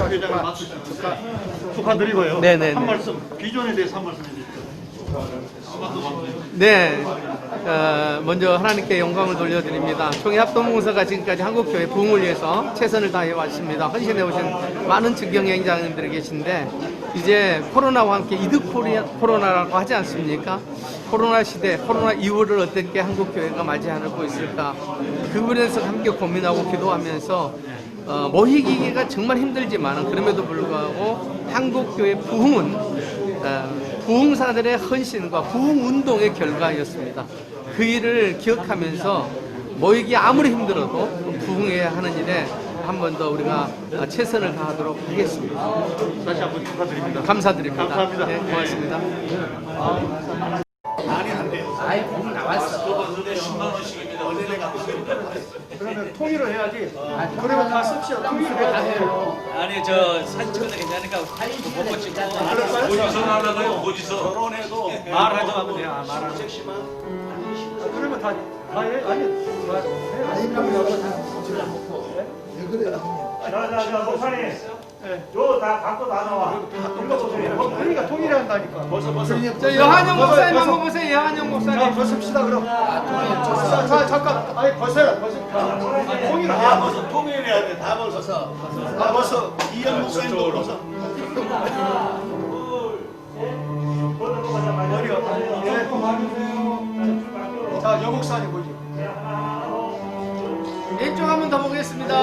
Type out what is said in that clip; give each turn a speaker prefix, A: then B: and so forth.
A: 회장님 축하드리고요.
B: 네네.
A: 한 말씀, 비전에 대해서 한 말씀 해주시죠.
B: 네, 먼저 하나님께 영광을 돌려드립니다. 총회합동봉사가 지금까지 한국교회 부흥을 위해서 최선을 다해 왔습니다. 헌신해 오신 많은 직경여행자님들이 계신데 이제 코로나와 함께 이드 코로나라고 하지 않습니까? 코로나 시대, 코로나 이후를 어떻게 한국교회가 맞이하고 있을까? 그 부분에서 함께 고민하고 기도하면서 모이기가 정말 힘들지만 그럼에도 불구하고 한국교회 부흥은 부흥사들의 헌신과 부흥운동의 결과였습니다. 그 일을 기억하면서 모이기 아무리 힘들어도 부흥해야 하는 일에 한 번 더 우리가 최선을 다하도록 하겠습니다.
A: 다시 한번 축하드립니다.
B: 감사드립니다.
A: 감사합니다.
B: 네, 고맙습니다.
A: 많이 안 돼요.
B: 아이, 공 나왔어.
A: 10만 원씩입니다. 그러면 통일을 해야지. 그러면 다 씁시오. 통일을 다 해요.
C: 아니 저 사진 찍어도 괜찮으니까 보고 찍고
A: 어디서 나가요?
C: 어디서
A: 결혼해도
C: 말하자고 하면 돼요. 아, 말하자고.
A: 그러면 다 해.
D: 자자자 목사님 요다 갖고 나와
A: 그러니까 통일을 한다니까.
B: 저 여한영 목사님 한번 보세요. 여한영 목사님.
A: 자, 벗읍시다 그럼. 자, 잠깐. 아니 벗어요. 통일을 해야 벗어. 통일해야 돼. 다 벗어. 다 벗어. 이현 목사님도 벗어. 자, 여 목사님 보죠.
B: 왼쪽 한 번 더 보겠습니다.